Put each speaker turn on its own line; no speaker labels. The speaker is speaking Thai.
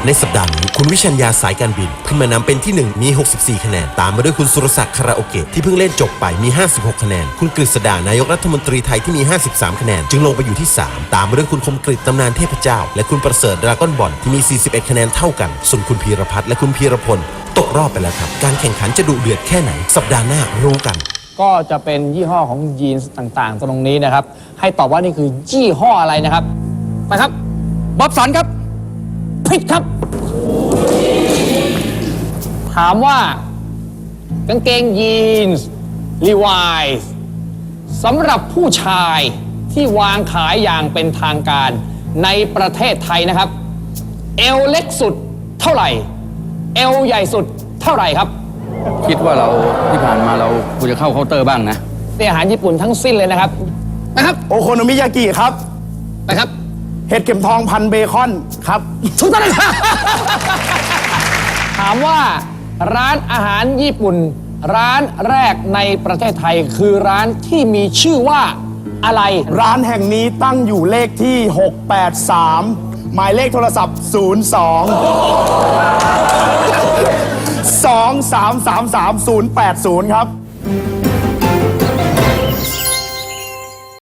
ในสัปดาห์นี้คุณวิชัญญาสายการบินขึ้นมานำเป็นที่1มี64คะแนนตามมาด้วยคุณสุรศักดิ์คาราโอเกะที่เพิ่งเล่นจบไปมี56คะแนนคุณกฤษดานายกรัฐมนตรีไทยที่มี53คะแนนจึงลงไปอยู่ที่3ตามมาด้วยคุณคมกฤษตำนานเทพเจ้าและคุณประเสริฐดราก้อนบอลที่มี41คะแนนเท่ากันส่วนคุณพีรพัฒน์และคุณพีรพลตกรอบไปแล้วครับการแข่งขันจะดุเดือดแค่ไหนสัปดาห์หน้ารู้กัน
ก็จะเป็นยี่ห้อของยีนส์ต่างๆตรงนี้นะครับให้ตอบว่านี่คือยี่ห้ออะไรนะครับไปครับบ๊อบสันครับผิดครับถามว่ากางเกงยีนส์ลีวายส์สำหรับผู้ชายที่วางขายอย่างเป็นทางการในประเทศไทยนะครับเอวเล็กสุดเท่าไหร่เอวใหญ่สุดเท่าไหร่ครับ
คิดว่าเราที่ผ่านมาเราควรจะเข้าเคาน์เตอร์บ้างนะ
เป็นอาหารญี่ปุ่นทั้งสิ้นเลยนะครับนะครับ
โอโคโนมิยากิครับ
นะครับ
เห็ดเข็มทองพันเบคอนครับ
ถูกต้องครับถามว่าร้านอาหารญี่ปุ่นร้านแรกในประเทศไทยคือร้านที่มีชื่อว่าอะไร
ร้านแห่งนี้ตั้งอยู่เลขที่683หมายเลขโทรศัพท์02 2333 080ครับ